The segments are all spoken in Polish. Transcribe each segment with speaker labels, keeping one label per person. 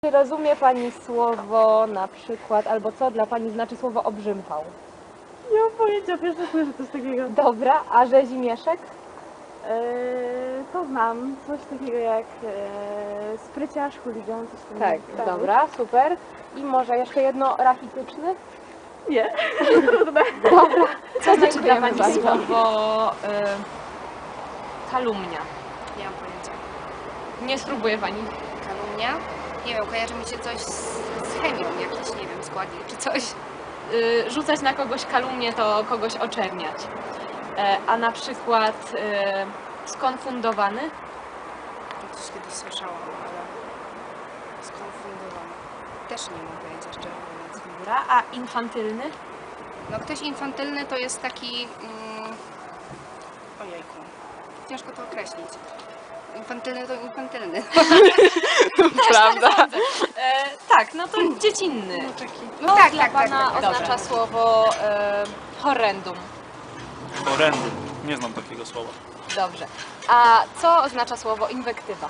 Speaker 1: Czy rozumie Pani słowo na przykład, albo co dla Pani znaczy słowo obrzymhał?
Speaker 2: Nie mam pojęcia, pierwsze słyszę coś takiego.
Speaker 1: Dobra, a rzezimieszek?
Speaker 2: To znam, coś takiego jak spryciarz, chuligan, coś takiego.
Speaker 1: Tak, dobra, super. I może jeszcze jedno, rachityczny?
Speaker 2: Nie.
Speaker 1: Dobra, co znaczy dla
Speaker 3: Dziękujemy
Speaker 1: Pani
Speaker 3: bardzo.
Speaker 1: słowo kalumnia?
Speaker 3: Nie mam pojęcia.
Speaker 1: Nie spróbuje Pani.
Speaker 3: Kalumnia? Nie wiem, kojarzy mi się coś z chemią, jakiś, nie wiem, składnik czy coś.
Speaker 1: Rzucać na kogoś kalumnię to kogoś oczerniać. A na przykład skonfundowany?
Speaker 3: To coś kiedyś słyszałam, ale skonfundowana. Też nie mam pojęcia, szczerze mówiąc.
Speaker 1: Dobra, a infantylny?
Speaker 3: No ktoś infantylny to jest taki... Ojejku. Ciężko to określić. Infantylny to infantylny.
Speaker 1: Prawda? Tak, no to dziecinny.
Speaker 3: No tak,
Speaker 1: Dla
Speaker 3: tak, tak,
Speaker 1: Pana
Speaker 3: tak.
Speaker 1: oznacza słowo horrendum.
Speaker 4: Horrendum. Nie znam takiego słowa.
Speaker 1: Dobrze. A co oznacza słowo inwektywa?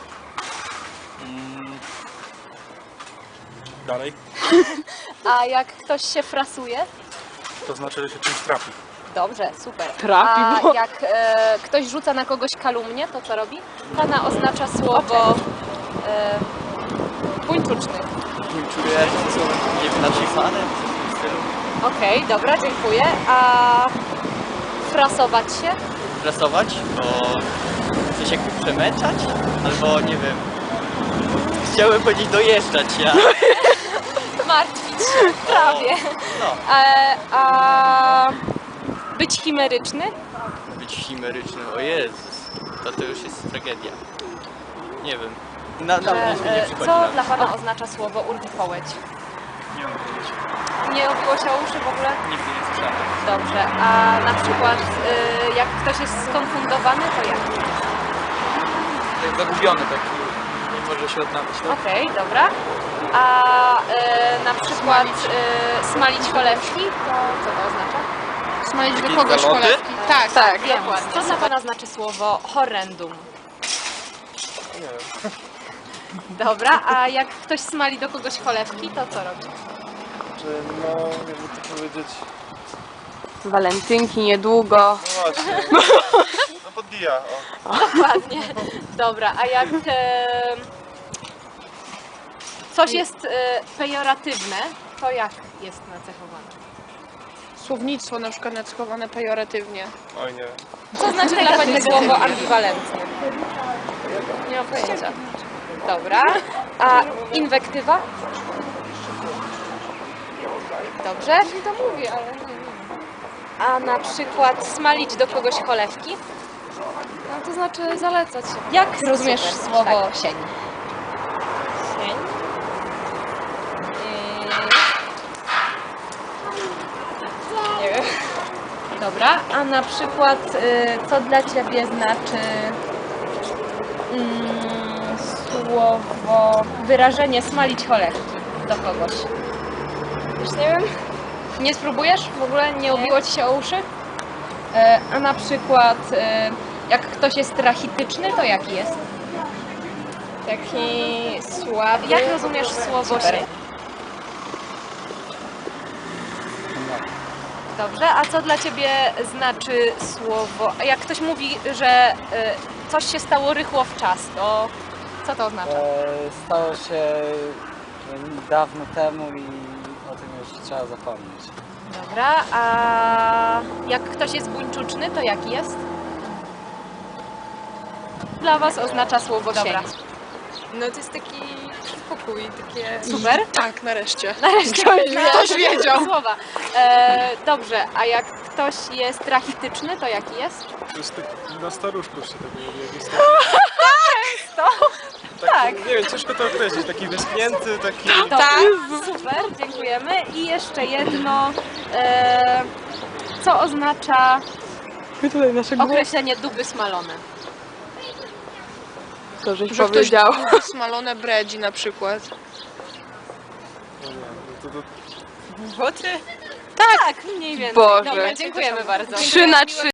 Speaker 4: Dalej.
Speaker 1: A jak ktoś się frasuje?
Speaker 4: To znaczy, że się czymś trafi.
Speaker 1: Dobrze, super.
Speaker 2: Trafi,
Speaker 1: A
Speaker 2: bo-
Speaker 1: jak ktoś rzuca na kogoś kalumnię, to co robi? Pana oznacza słowo buńczuczny.
Speaker 5: Nie czuję słowem, nie wiem, nacifanem, coś w tym stylu.
Speaker 1: Okej, dobra, dziękuję. A frasować się?
Speaker 5: Prasować, bo coś jakby przemęczać, albo nie wiem. Chciałem powiedzieć dojeżdżać, ja.
Speaker 1: Martwić się, prawie.
Speaker 5: No,
Speaker 1: A być chimeryczny?
Speaker 5: być chimerycznym, o Jezus, to już jest tragedia. Nie wiem. Na nic mi nie przychodzi
Speaker 1: Co
Speaker 5: na
Speaker 1: dla Pana oznacza słowo urwipołeć?
Speaker 4: Nie mam pojęcia.
Speaker 1: Nie obiło się o uszy w ogóle?
Speaker 5: Nigdy nie słyszałem.
Speaker 1: Dobrze. A na przykład jak ktoś jest skonfundowany, to jak?
Speaker 5: Zagubiony taki, nie może się odnaleźć.
Speaker 1: Okej, dobra. A na przykład smalić cholewki, to co to oznacza?
Speaker 3: Smalić
Speaker 5: do kogoś cholewki.
Speaker 3: Tak,
Speaker 1: Tak, wiem. Co dla Pana znaczy słowo horrendum?
Speaker 4: Nie wiem.
Speaker 1: Dobra, a jak ktoś smali do kogoś cholewki, to co robi?
Speaker 6: Czy no, jakby to powiedzieć,
Speaker 2: Walentynki niedługo.
Speaker 6: no właśnie, no podbija, o.
Speaker 1: Dokładnie. Dobra, a jak coś jest pejoratywne, to jak jest nacechowane?
Speaker 7: Słownictwo na przykład nacechowane pejoratywnie.
Speaker 6: Oj nie.
Speaker 1: Co znaczy dla Pani słowo ambiwalentne? Nie mam pojęcia. Dobra. A inwektywa? Dobrze.
Speaker 7: To mówię, ale
Speaker 1: A na przykład smalić do kogoś cholewki?
Speaker 7: no, to znaczy zalecać się.
Speaker 1: Jak
Speaker 7: Rozumiesz
Speaker 1: super,
Speaker 7: słowo
Speaker 1: tak.
Speaker 7: sień?
Speaker 1: Sień? Nie wiem. Dobra, a na przykład co dla Ciebie znaczy słowo, wyrażenie smalić cholewki do kogoś? Już nie wiem. Nie spróbujesz? W ogóle nie obiło Ci się o uszy? A na przykład jak ktoś jest rachityczny, to jaki jest?
Speaker 7: Taki słaby.
Speaker 1: Jak rozumiesz słowo sień? Dobrze, a co dla Ciebie znaczy słowo? Jak ktoś mówi, że coś się stało rychło w czas, to co to oznacza?
Speaker 8: Stało się dawno temu i o tym już trzeba zapomnieć.
Speaker 1: Dobra, a jak ktoś jest buńczuczny, to jaki jest? Dla Was oznacza słowo sień.
Speaker 7: No to jest taki spokój, takie...
Speaker 1: Super.
Speaker 7: Tak, nareszcie.
Speaker 1: Nareszcie
Speaker 7: Ktoś wiedział.
Speaker 1: słowa. Dobrze, a jak ktoś jest rachityczny, to jaki jest?
Speaker 6: To jest taki na staruszków się tego mówi, jakiś
Speaker 1: Tak.
Speaker 6: Nie wiem, ciężko to określić, taki wyschnięty, taki...
Speaker 1: Tak, super, dziękujemy. I jeszcze jedno, co oznacza określenie duby smalone?
Speaker 2: To żeś
Speaker 7: Że
Speaker 2: powiedział.
Speaker 7: ktoś smalone bredzi na przykład.
Speaker 6: No nie, no to
Speaker 1: Buty? Tak, mniej więcej.
Speaker 2: Boże.
Speaker 1: Dobra, dziękujemy bardzo.
Speaker 2: 3 na 3.